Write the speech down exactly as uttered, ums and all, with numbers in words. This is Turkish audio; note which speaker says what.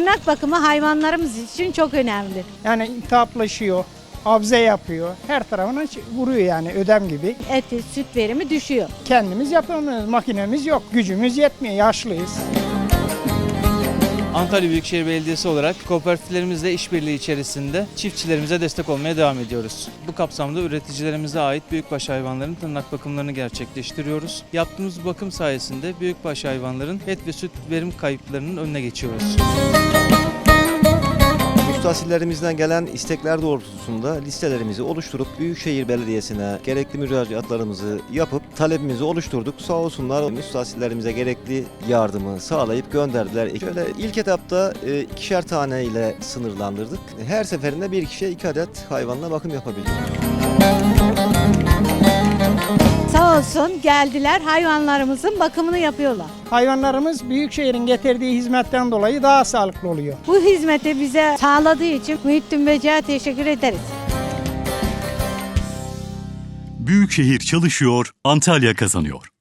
Speaker 1: tırnak bakımı hayvanlarımız için çok önemli.
Speaker 2: Yani iltihaplaşıyor, abze yapıyor. Her tarafına vuruyor yani ödem gibi.
Speaker 1: Et, süt verimi düşüyor.
Speaker 2: Kendimiz yapamıyoruz. Makinemiz yok. Gücümüz yetmiyor. Yaşlıyız.
Speaker 3: Antalya Büyükşehir Belediyesi olarak kooperatiflerimizle işbirliği içerisinde çiftçilerimize destek olmaya devam ediyoruz. Bu kapsamda üreticilerimize ait büyükbaş hayvanların tırnak bakımlarını gerçekleştiriyoruz. Yaptığımız bakım sayesinde büyükbaş hayvanların et ve süt verim kayıplarının önüne geçiyoruz.
Speaker 4: Müstahsillerimizden gelen istekler doğrultusunda listelerimizi oluşturup Büyükşehir Belediyesi'ne gerekli müracaatlarımızı yapıp talebimizi oluşturduk. Sağ olsunlar müstahsillerimize gerekli yardımı sağlayıp gönderdiler. Şöyle ilk etapta e, ikişer tane ile sınırlandırdık. Her seferinde bir kişiye iki adet hayvanla bakım yapabiliyoruz.
Speaker 1: Sağ olsun geldiler, hayvanlarımızın bakımını yapıyorlar.
Speaker 2: Hayvanlarımız büyükşehirin getirdiği hizmetten dolayı daha sağlıklı oluyor.
Speaker 1: Bu hizmeti bize sağladığı için Muhittin Böceğe teşekkür ederiz.
Speaker 5: Büyükşehir çalışıyor, Antalya kazanıyor.